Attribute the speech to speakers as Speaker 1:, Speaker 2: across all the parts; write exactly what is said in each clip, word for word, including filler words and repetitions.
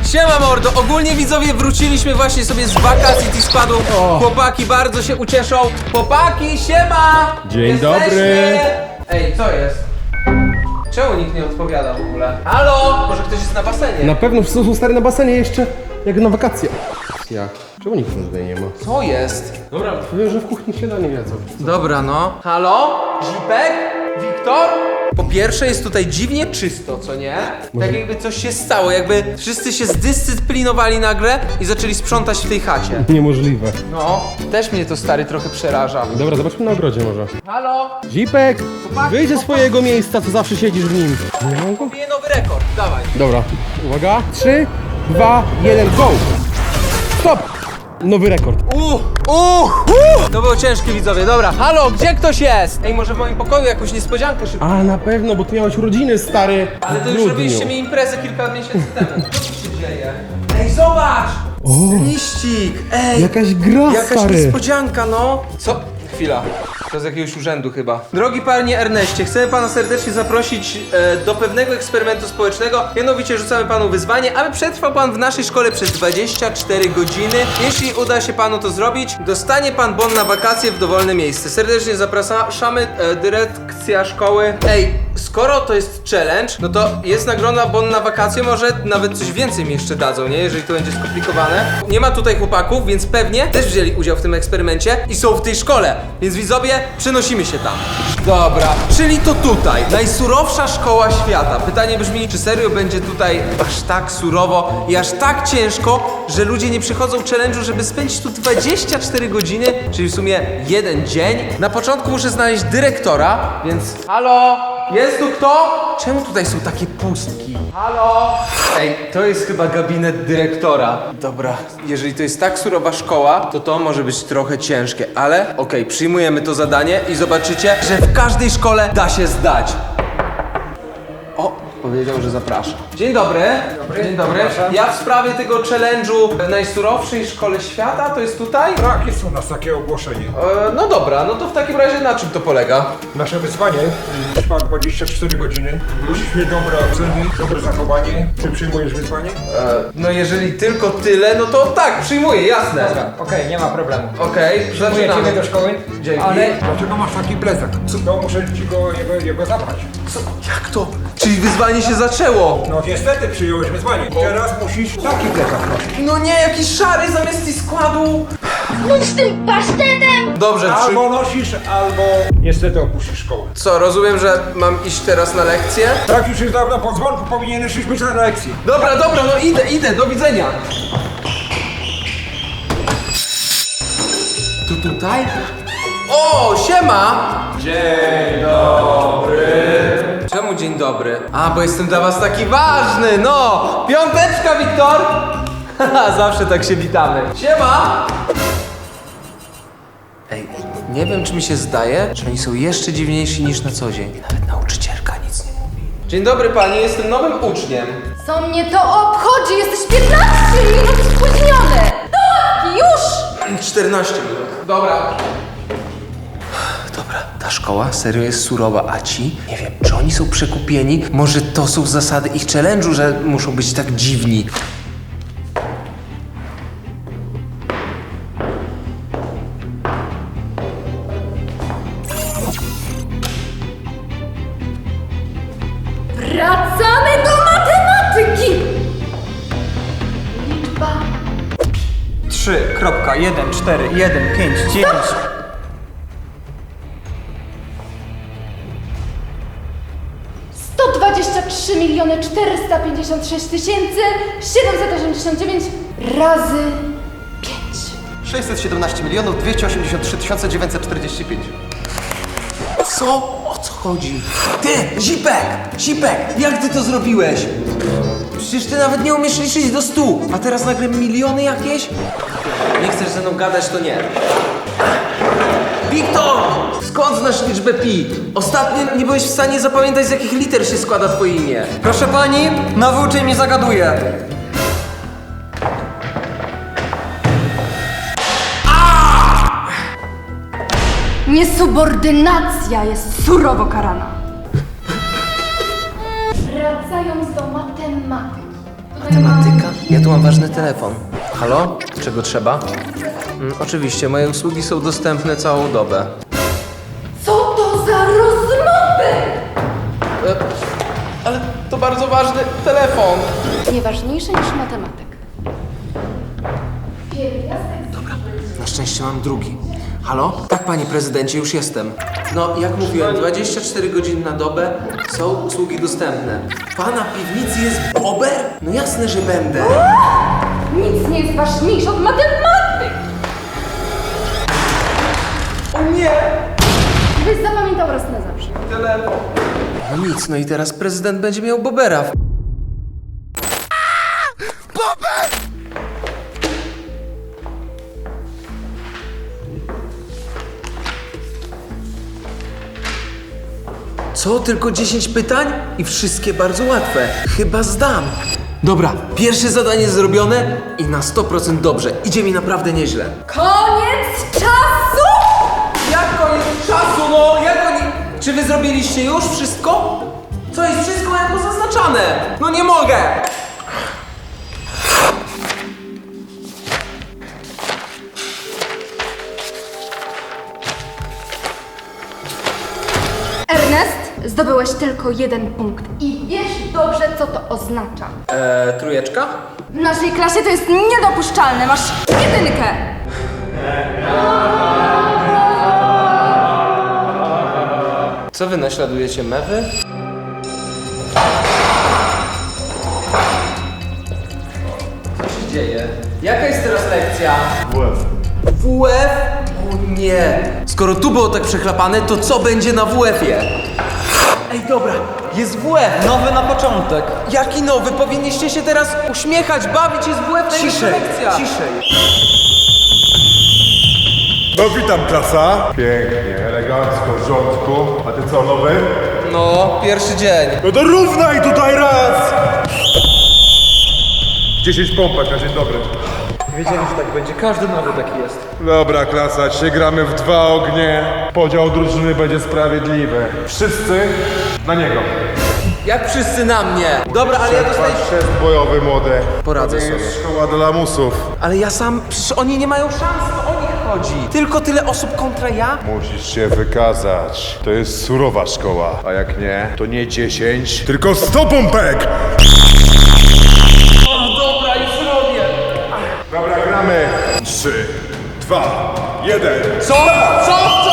Speaker 1: Siema mordo, ogólnie widzowie wróciliśmy właśnie sobie z wakacji T-Składu. Chłopaki bardzo się ucieszą. Chłopaki, siema!
Speaker 2: Dzień
Speaker 1: Jesteśmy.
Speaker 2: dobry.
Speaker 1: Ej, co jest? Czemu nikt nie odpowiada w ogóle? Halo? Może ktoś jest na basenie?
Speaker 2: Na pewno wszyscy są stary na basenie jeszcze, jak na wakacje. Jak? Czemu nikt tutaj nie ma?
Speaker 1: Co jest?
Speaker 2: Dobra, powiem, że w kuchni śniadanie jedzą.
Speaker 1: Dobra no. Halo? Zipek? Wiktor? Po pierwsze jest tutaj dziwnie czysto, co nie? Tak jakby coś się stało, jakby wszyscy się zdyscyplinowali nagle i zaczęli sprzątać w tej chacie.
Speaker 2: Niemożliwe.
Speaker 1: No, też mnie to stary trochę przeraża.
Speaker 2: Dobra, zobaczmy na ogrodzie może.
Speaker 1: Halo?
Speaker 2: Zipek,
Speaker 1: Chłopaki,
Speaker 2: wyjdź ze
Speaker 1: chłopaki.
Speaker 2: swojego miejsca, co zawsze siedzisz w nim. Nie mam go?
Speaker 1: Bije nowy rekord, dawaj.
Speaker 2: Dobra, uwaga. trzy, dwa, jeden, go! Stop! Nowy rekord.
Speaker 1: Uuu, uuu, uuu. To było ciężkie widzowie, dobra. Halo, gdzie ktoś jest? Ej, może w moim pokoju jakąś niespodziankę szybko.
Speaker 2: A na pewno, bo ty miałeś urodziny, stary.
Speaker 1: Ale to
Speaker 2: w
Speaker 1: już
Speaker 2: grudniu.
Speaker 1: robiliście mi imprezę kilka miesięcy temu. Co tu się dzieje? Ej, zobacz!
Speaker 2: O,
Speaker 1: Liścik! Ej!
Speaker 2: jakaś gra,
Speaker 1: Jakaś
Speaker 2: stary.
Speaker 1: niespodzianka, no! Co? Chwila. To z jakiegoś urzędu chyba. Drogi panie Erneście, chcemy pana serdecznie zaprosić e, do pewnego eksperymentu społecznego. Mianowicie rzucamy panu wyzwanie, aby przetrwał pan w naszej szkole przez dwadzieścia cztery godziny. Jeśli uda się panu to zrobić, dostanie pan bon na wakacje w dowolne miejsce. Serdecznie zapraszamy, e, dyrekcja szkoły. Ej, skoro to jest challenge, no to jest nagroda bon na wakacje, może nawet coś więcej mi jeszcze dadzą, nie? Jeżeli to będzie skomplikowane. Nie ma tutaj chłopaków, więc pewnie też wzięli udział w tym eksperymencie i są w tej szkole. Więc widzowie, przenosimy się tam. Dobra, czyli to tutaj, najsurowsza szkoła świata. Pytanie brzmi, czy serio będzie tutaj aż tak surowo i aż tak ciężko, że ludzie nie przychodzą challenge'u, żeby spędzić tu dwadzieścia cztery godziny, czyli w sumie jeden dzień. Na początku muszę znaleźć dyrektora, więc... Halo? Jest tu kto? Czemu tutaj są takie pustki? Halo? Ej, to jest chyba gabinet dyrektora. Dobra, jeżeli to jest tak surowa szkoła, to to może być trochę ciężkie, ale okej, przyjmujemy to zadanie i zobaczycie, że w każdej szkole da się zdać. O, powiedział, że zaprasza. Dzień dobry. dobry. Dzień dobry. Ja w sprawie tego challenge'u w najsurowszej szkole świata, to jest tutaj?
Speaker 3: Tak, jest u nas takie ogłoszenie.
Speaker 1: E, no dobra, no to w takim razie na czym to polega?
Speaker 3: Nasze wyzwanie trwa dwadzieścia cztery godziny. Musisz mieć dobre oceny, dobre zachowanie. Czy przyjmujesz wyzwanie?
Speaker 1: E, no jeżeli tylko tyle, no to tak, przyjmuję, jasne.
Speaker 4: Dobra, okej, nie ma problemu.
Speaker 1: Okej,
Speaker 4: Przyjmuję ciebie
Speaker 1: zaczynamy.
Speaker 4: do szkoły,
Speaker 1: Dzięki.
Speaker 4: ale
Speaker 3: Dlaczego masz taki plecak? No muszę ci go, jego, jego zabrać.
Speaker 1: Co? Jak to? Czyli wyzwanie się zaczęło?
Speaker 3: No niestety przyjąłeś wyzwanie. Teraz musisz taki plecak nosić.
Speaker 1: No nie, jakiś szary zamiast i składu.
Speaker 5: Bądź z tym pasztetem!
Speaker 1: Dobrze, przy...
Speaker 3: Albo nosisz, albo niestety opuścisz szkołę.
Speaker 1: Co, rozumiem, że mam iść teraz na lekcję?
Speaker 3: Tak już jest dawno po dzwonku, powinieneś już być na lekcji.
Speaker 1: Dobra, dobra, no idę, idę, do widzenia. Tu tutaj? O, siema! Dzień dobry. Czemu dzień dobry? A, bo jestem dla was taki ważny, no! Piąteczka, Wiktor! Haha, zawsze tak się witamy. Siema! Ej, nie wiem, czy mi się zdaje, że oni są jeszcze dziwniejsi niż na co dzień. Nawet nauczycielka nic nie mówi. Dzień dobry pani, jestem nowym uczniem.
Speaker 5: Co mnie to obchodzi? Jesteś piętnaście minut spóźniony! Do ławki, już!
Speaker 1: czternaście minut. Dobra. Dobra, ta szkoła serio jest surowa, a ci? Nie wiem, czy oni są przekupieni? Może to są zasady ich challenge'u, że muszą być tak dziwni.
Speaker 5: Wracamy do matematyki! Liczba...
Speaker 4: trzy, jeden, cztery, jeden, pięć, dziewięć.
Speaker 5: sto dwadzieścia trzy miliony czterysta pięćdziesiąt sześć tysięcy siedemset osiemdziesiąt dziewięć razy pięć.
Speaker 6: sześćset siedemnaście milionów dwieście osiemdziesiąt trzy tysiące dziewięćset czterdzieści pięć.
Speaker 1: Co? O co chodzi? Ty, Zipek! Zipek! Jak ty to zrobiłeś? Przecież ty nawet nie umiesz liczyć do stu, a teraz nagle miliony jakieś? Nie chcesz ze mną gadać, to nie. Wiktor! Skąd znasz liczbę pi? Ostatnio nie byłeś w stanie zapamiętać, z jakich liter się składa twoje imię.
Speaker 4: Proszę pani, nowy uczeń mnie zagaduje.
Speaker 5: Niesubordynacja jest surowo karana. Wracając do matematyki.
Speaker 1: Matematyka? Ja tu mam ważny telefon. Halo? Czego trzeba? Mm, oczywiście, moje usługi są dostępne całą dobę.
Speaker 5: Co to za rozmowy?
Speaker 1: E, ale to bardzo ważny telefon.
Speaker 5: Nieważniejsze niż matematyk. Pierwiastek.
Speaker 1: Na szczęście mam drugi. Halo? Tak, panie prezydencie, już jestem. No, jak mówiłem, dwadzieścia cztery godziny na dobę są usługi dostępne. W pana piwnicy jest bober? No jasne, że będę.
Speaker 5: Nic nie jest ważniejsze od matematyk.
Speaker 1: O nie!
Speaker 5: Byś zapamiętał raz na zawsze.
Speaker 1: Telefon. No nic, no i teraz prezydent będzie miał bobera. Co? Tylko dziesięć pytań? I wszystkie bardzo łatwe. Chyba zdam. Dobra, pierwsze zadanie zrobione i na sto procent dobrze. Idzie mi naprawdę nieźle.
Speaker 5: Koniec czasu!
Speaker 1: Jak koniec czasu, no? Jak oni... Czy wy zrobiliście już wszystko? Co jest wszystko jako zaznaczane? No nie mogę!
Speaker 5: Ernest, zdobyłeś tylko jeden punkt i wiesz dobrze, co to oznacza.
Speaker 1: Eee, trójeczka?
Speaker 5: W naszej klasie to jest niedopuszczalne, masz jedynkę.
Speaker 1: Co wy naśladujecie, mewy? Co się dzieje? Jaka jest teraz lekcja? W F. W F? O nie! Skoro tu było tak przechlapane, to co będzie na W F-ie? Ej, dobra, jest W F!
Speaker 4: Nowy na początek.
Speaker 1: Jaki nowy? Powinniście się teraz uśmiechać, bawić, jest W F, najlepsza
Speaker 4: Ciszej,
Speaker 1: lekcja!
Speaker 4: ciszej.
Speaker 3: No witam klasa. Pięknie, elegancko, w rządku. A ty co, nowy?
Speaker 1: No, pierwszy dzień.
Speaker 3: No to równaj tutaj raz! dziesięć pompek na dzień dobry.
Speaker 4: Wiedziałem, że tak będzie. Każdy nowy taki jest.
Speaker 3: Dobra klasa, dzisiaj gramy w dwa ognie. Podział drużyny będzie sprawiedliwy. Wszyscy na niego.
Speaker 1: Jak wszyscy na mnie. Dobra, ale ja dostaję...
Speaker 3: Patrz, jest bojowy młody.
Speaker 1: Poradzę
Speaker 3: To nie
Speaker 1: sobie.
Speaker 3: jest szkoła dla lamusów.
Speaker 1: Ale ja sam... Przecież oni nie mają szans, to o nich chodzi. Tylko tyle osób kontra ja?
Speaker 3: Musisz się wykazać. To jest surowa szkoła. A jak nie, to nie dziesięć, tylko sto pompek!
Speaker 1: Dobra, już robię.
Speaker 3: Dobra, gramy. Trzy, dwa, jeden.
Speaker 1: Co? Co? Co?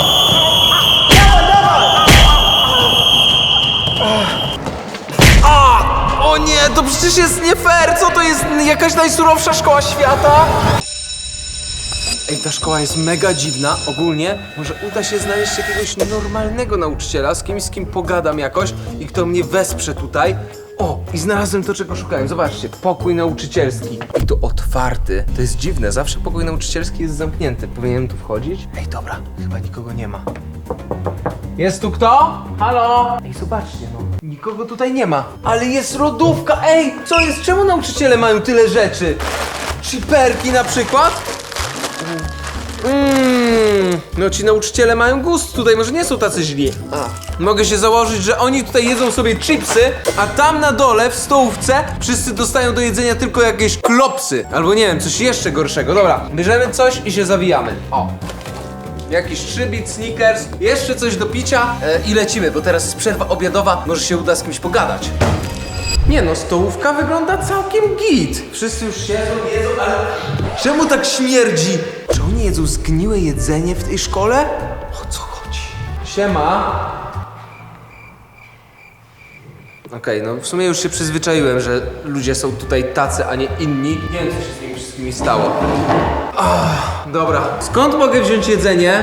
Speaker 1: A! O nie, to przecież jest nie fair! Co to jest? Jakaś najsurowsza szkoła świata? Ej, ta szkoła jest mega dziwna. Ogólnie może uda się znaleźć jakiegoś normalnego nauczyciela, z kimś, z kim pogadam jakoś i kto mnie wesprze tutaj. O, i znalazłem to, czego szukałem. Zobaczcie, pokój nauczycielski. I to otwarty. To jest dziwne, zawsze pokój nauczycielski jest zamknięty. Powinienem tu wchodzić? Ej, dobra, chyba nikogo nie ma. Jest tu kto? Halo? Ej, zobaczcie, no. Nikogo tutaj nie ma. Ale jest lodówka! Ej, co jest? Czemu nauczyciele mają tyle rzeczy? Chiperki na przykład? Mmm, no ci nauczyciele mają gust tutaj, może nie są tacy źli. A. Mogę się założyć, że oni tutaj jedzą sobie chipsy, a tam na dole w stołówce wszyscy dostają do jedzenia tylko jakieś klopsy. Albo nie wiem, coś jeszcze gorszego. Dobra, bierzemy coś i się zawijamy. O. Jakiś trzybit, Snickers, jeszcze coś do picia e, i lecimy, bo teraz jest przerwa obiadowa, może się uda z kimś pogadać. Nie no, stołówka wygląda całkiem git. Wszyscy już siedzą, jedzą, ale czemu tak śmierdzi? Czy oni jedzą zgniłe jedzenie w tej szkole? O co chodzi? Siema. Okej, no w sumie już się przyzwyczaiłem, że ludzie są tutaj tacy, a nie inni. Nie wiem, co się z nimi wszystkimi stało. Ach, dobra. Skąd mogę wziąć jedzenie?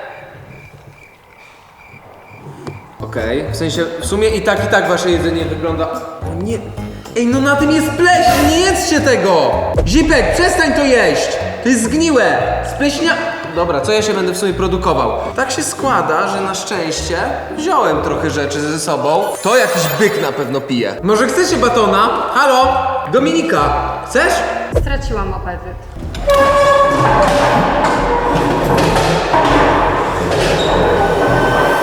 Speaker 1: Okej, w sensie, w sumie i tak, i tak wasze jedzenie wygląda... O nie... Ej, no na tym jest pleśń, nie jedzcie tego! Zipek, przestań to jeść! To jest zgniłe! Spleśnia... Dobra, co ja się będę w sumie produkował? Tak się składa, że na szczęście wziąłem trochę rzeczy ze sobą. To jakiś byk na pewno pije. Może chcecie batona? Halo? Dominika, chcesz?
Speaker 5: Straciłam apetyt.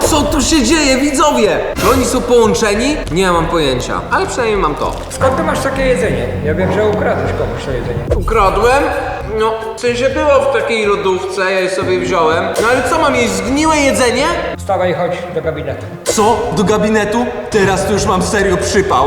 Speaker 1: Co tu się dzieje, widzowie? Czy oni są połączeni? Nie mam pojęcia, ale przynajmniej mam to.
Speaker 4: Skąd ty masz takie jedzenie? Ja wiem, że ukradłeś komuś to jedzenie.
Speaker 1: Ukradłem? No, w sensie było w takiej lodówce, ja je sobie wziąłem. No ale co, mam jeść zgniłe jedzenie?
Speaker 4: Wstawaj i chodź do gabinetu.
Speaker 1: Co? Do gabinetu? Teraz to już mam serio przypał.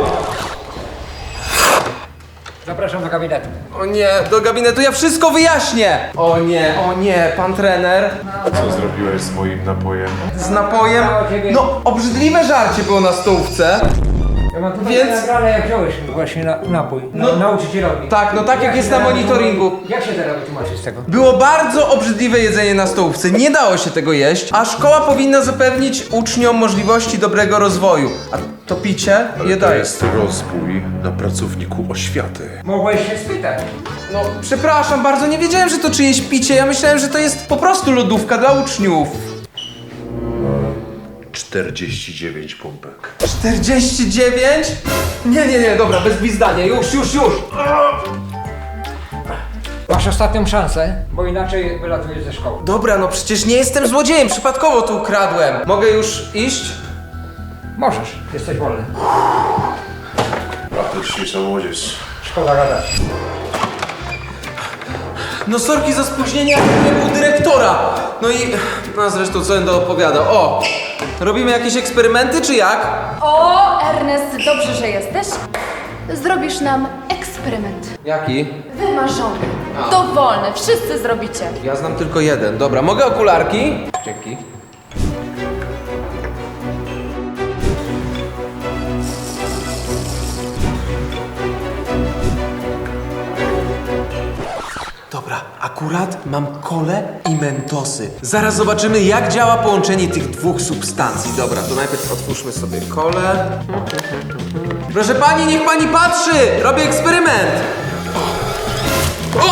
Speaker 4: Zapraszam do gabinetu.
Speaker 1: O nie, do gabinetu ja wszystko wyjaśnię! O nie, o nie, pan trener.
Speaker 7: Co zrobiłeś z moim napojem?
Speaker 1: Z napojem? No, obrzydliwe żarcie było na stołówce.
Speaker 4: Ja mam tutaj
Speaker 1: Więc-
Speaker 4: Więc... nagrane, jak wziąłeś właśnie na, napój. No,
Speaker 1: No.
Speaker 4: nauczycielowi.
Speaker 1: Tak, no tak jak jest na monitoringu.
Speaker 4: Jak się teraz wytłumaczyć z tego?
Speaker 1: Było bardzo obrzydliwe jedzenie na stołówce, nie dało się tego jeść, a szkoła powinna zapewnić uczniom możliwości dobrego rozwoju. A to picie je
Speaker 7: To
Speaker 1: daje.
Speaker 7: jest rozbój na pracowniku oświaty.
Speaker 4: Mogłeś się spytać.
Speaker 1: No, przepraszam bardzo, nie wiedziałem, że to czyjeś picie, ja myślałem, że to jest po prostu lodówka dla uczniów.
Speaker 7: czterdzieści dziewięć pompek.
Speaker 1: czterdzieści dziewięć? Nie, nie, nie, dobra, bez gwizdania, już, już, już.
Speaker 4: Masz ostatnią szansę, bo inaczej wylatujesz ze szkoły.
Speaker 1: Dobra, no przecież nie jestem złodziejem, przypadkowo tu ukradłem. Mogę już iść?
Speaker 4: Możesz, jesteś wolny.
Speaker 7: Patryczniejsza młodzież.
Speaker 4: Szkoda gadać.
Speaker 1: No sorki za spóźnienie, jak byłem u dyrektora. No i, no zresztą co będę opowiadał. O, robimy jakieś eksperymenty, czy jak?
Speaker 5: O, Ernest, dobrze, że jesteś. Zrobisz nam eksperyment.
Speaker 1: Jaki?
Speaker 5: Wymarzony. Dowolny, wszyscy zrobicie.
Speaker 1: Ja znam tylko jeden. Dobra, mogę okularki? Dzięki. Dobra, akurat mam kole i mentosy. Zaraz zobaczymy, jak działa połączenie tych dwóch substancji. Dobra, to najpierw otwórzmy sobie kole. Proszę pani, niech pani patrzy! Robię eksperyment! O!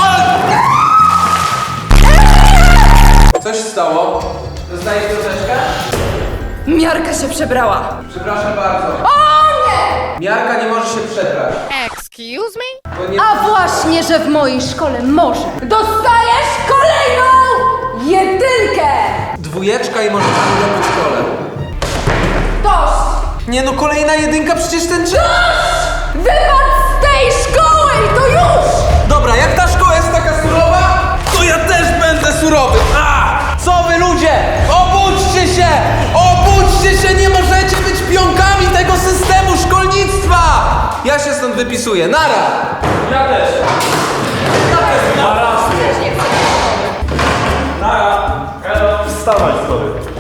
Speaker 1: Co się stało? Dostajesz troszeczkę?
Speaker 5: Miarka się przebrała.
Speaker 1: Przepraszam bardzo.
Speaker 5: O nie!
Speaker 1: Miarka nie może się przebrać.
Speaker 8: Excuse me?
Speaker 1: To nie...
Speaker 5: A właśnie, że w mojej szkole może. Dostajesz kolejną jedynkę!
Speaker 1: Dwójeczka i może pani robić w szkole.
Speaker 5: Dość!
Speaker 1: Nie no, kolejna jedynka, przecież ten czas.
Speaker 5: Wypad z tej szkoły i to już!
Speaker 1: Dobra, jak ta szkoła jest taka surowa, to ja też będę surowy. A! Co wy ludzie? Obudźcie się! Obudźcie się! Nie możecie być pionkami tego systemu szkolnictwa! Ja się stąd wypisuję. Nara!
Speaker 4: Ja też.
Speaker 8: Wstawaj, sorry.